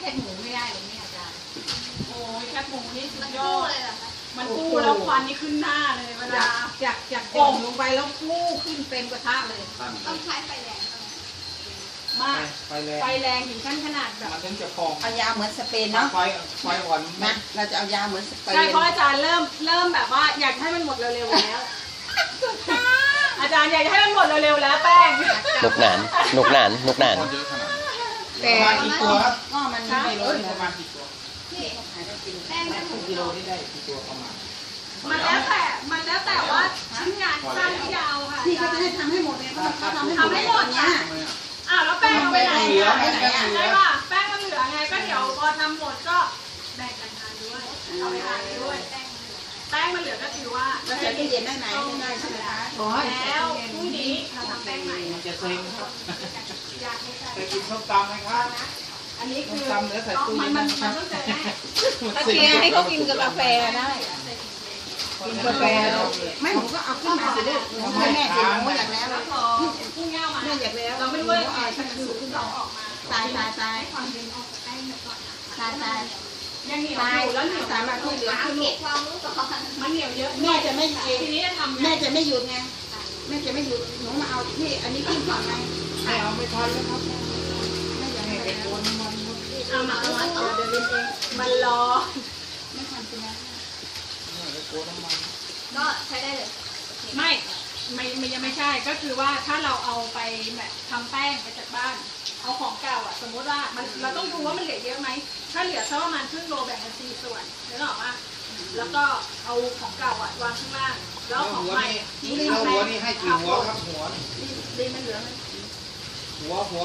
คบหมูไม่ได้เลยเนี่ยอาจารย์โอ้ยแคบหมูนี่สุดยอดเลยเหรอคะมันฟูแล้วควันนี่ขึ้นหน้าเลยเวลาจากโป่งลงไปแล้วฟูขึ้นเต็มกระทะเลยต้องใช้ไฟแรงมากไฟแรงถึงขั้นขนาดแบบมันถึงจะพองเอายาเหมือนสเปนเนาะไฟอ่อนนะเราจะเอายาเหมือนสเปนใช่เพราะอาจารย์เริ่มแบบว่าอยากให้มันหมดเร็วๆแล้วอาจารย์อยากให้มันหมดเร็วๆแล้วแป้งหนุกหนานหนุกหนานหนุกหนานประมาณกี่ตัวครับก็มันไม่รู้ประมาณกี่ตัวนี่แป้งมันถูกกิโลนี่ได้กี่ตัวประมาณมันแล้วแต่ว่าชิ้นงานสั้นหรือยาวค่ะที่เขาจะให้ทำให้หมดเนี่ยเขาทำให้หมดเนี่ยแล้วแป้งเอาไปไหนเหลือใช่ป่ะแป้งมันเหลือไงก็เดี๋ยวพอทำหมดก็แบ่งกันทานด้วยเอาไปทานด้วยแป้งมันเหลือก็ถือว่าเราใส่ตู้เย็นได้ไหมไม่ได้ใช่ไหมคะแล้วพรุ่งนี้เราทำแป้งใหม่มันจะเซ็งครับอยากให้ใส่ไปกินส้มตำไหมครับอันนี้คือตำเนื้อใส่ตู้เย็นมันต้องเจอแน่ตะเกียงให้เขากินกับกาแฟได้กินกาแฟไม่หนูก็เอาขึ้นมาสิลูกหนูให้แม่สิหนูอยากแล้วแล้วพอพุ่งเง่ามาแม่อยากแล้วเราไม่รู้ว่าถ้าคือเราออกมาตายความเย็นออกจากแป้งก่อน ยังเหนียวอยู่แล้วเหนียวสามารถที่เหลืออัขึ้งนเกลูตกความรู้ก่อนมันเหนียวเยอะแม่จะไม่ทีนี้จะทำแม่จะไม่หยุดไงแม่จะไม่หยุดหนูมาเอาที่อันนี้ขึ้นก่อนไงไม่เอาไม่ทันแล้วครับแม่อยากให้ไปแล้วโกนมันเอามาเดี๋ยวเองมันรอไม่ทำใช่ไหมไปโกนน้ำมันก็ใช้ได้เลยไม่ยังไม่ใช่ก็คือว่าถ้าเราเอาไปแบบทำแป้งไปจากบ้านเอาของเก่าอ่ะสมมติว่าเราต้องดูว่ามันเหลือเยอะไหมถ้าเหลือสักประมาณครึ่งโลแบ่งเป็น4 ส่วนนึกออกป่ะแล้วก็เอาของเก่าอ่ะวางข้างล่างแล้วของใหม่หัวนี่ให้กี่หัวครับหัวดีมันเหลือหัว